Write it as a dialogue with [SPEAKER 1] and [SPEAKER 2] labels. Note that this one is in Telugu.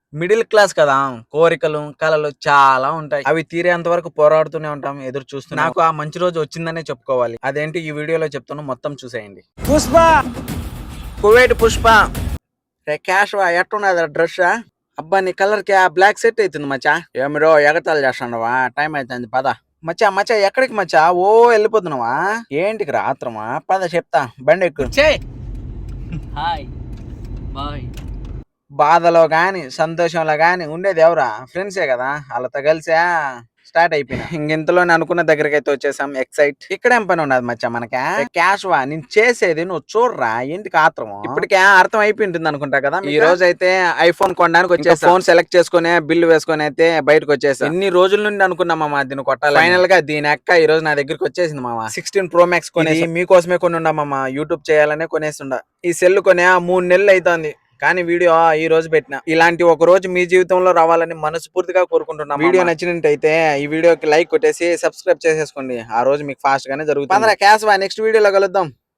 [SPEAKER 1] మిడిల్ క్లాస్ కదా! కోరికలు, కలలు చాలా ఉంటాయి. అవి తీరేంత వరకు పోరాడుతూనే ఉంటాం. ఎదురు చూస్తూనే నాకు ఆ మంచి రోజు వచ్చిందనే చెప్పుకోవాలి. అదేంటి ఈ వీడియోలో చెప్తాను మొత్తం చూసేయండి. పుష్ప! కువైట్ పుష్ప! రే క్యాష్ ఎట్టున్నది డ్రెస్? అబ్బా నీ కలర్ కి ఆ బ్లాక్ సెట్ అవుతుంది మచ్చా. ఏమిరో ఎగతాళి చేస్తాండవా? టైం అయితుంది పద. మచ్చా మచ్చా ఎక్కడికి మచ్చా? ఓ వెళ్ళిపోతున్నావా? ఏంటికి రాత్రమా? పద చెప్తా బండి ఎక్కు.
[SPEAKER 2] Hi bye.
[SPEAKER 1] బాధలో గాని సంతోషంలో గాని ఉండేది ఎవరా? ఫ్రెండ్సే కదా వాళ్ళతో కలిసా స్టార్ట్ అయిపోయినా. ఇంతలోనే అనుకున్న దగ్గరికి అయితే వచ్చేసాం. ఎక్సైట్ ఇక్కడేం పని ఉన్నది మచ్చా మనకా? క్యాష్ వా నేను చేసేది నువ్వు చూడరా ఎందుకు ఆత్రం? ఇప్పటికే అర్థం అయిపోయి ఉంటుంది అనుకుంటా కదా. ఈ రోజు అయితే ఐఫోన్ కొనడానికి వచ్చేసా. ఫోన్ సెలెక్ట్ చేసుకుని బిల్లు వేసుకొని అయితే బయటకు వచ్చేసా. ఎన్ని రోజుల నుండి అనుకున్నా మామ దీన్ని కొట్టాలి. ఫైనల్ గా దీని అక్క ఈ రోజు నా దగ్గరికి వచ్చేసింది మామ. 16 Pro Max కొనేసి మీకోసమే కొని ఉండా మామ. యూట్యూబ్ చేయాలనే కొనేసిండా. ఈ సెల్ కొనే 3 నెలలు అవుతుంది. కానీ వీడియో ఈ రోజు పెట్టిన. ఇలాంటి ఒక రోజు మీ జీవితంలో రావాలని మనస్ఫూర్తిగా కోరుకుంటున్నాం. వీడియో నచ్చినట్టయితే ఈ వీడియోకి లైక్ కొట్టేసి సబ్స్క్రైబ్ చేసేసుకోండి. ఆ రోజు మీకు ఫాస్ట్ గానే జరుగుతుంది. క్యాష్ నెక్స్ట్ వీడియోలో కలుద్దాం.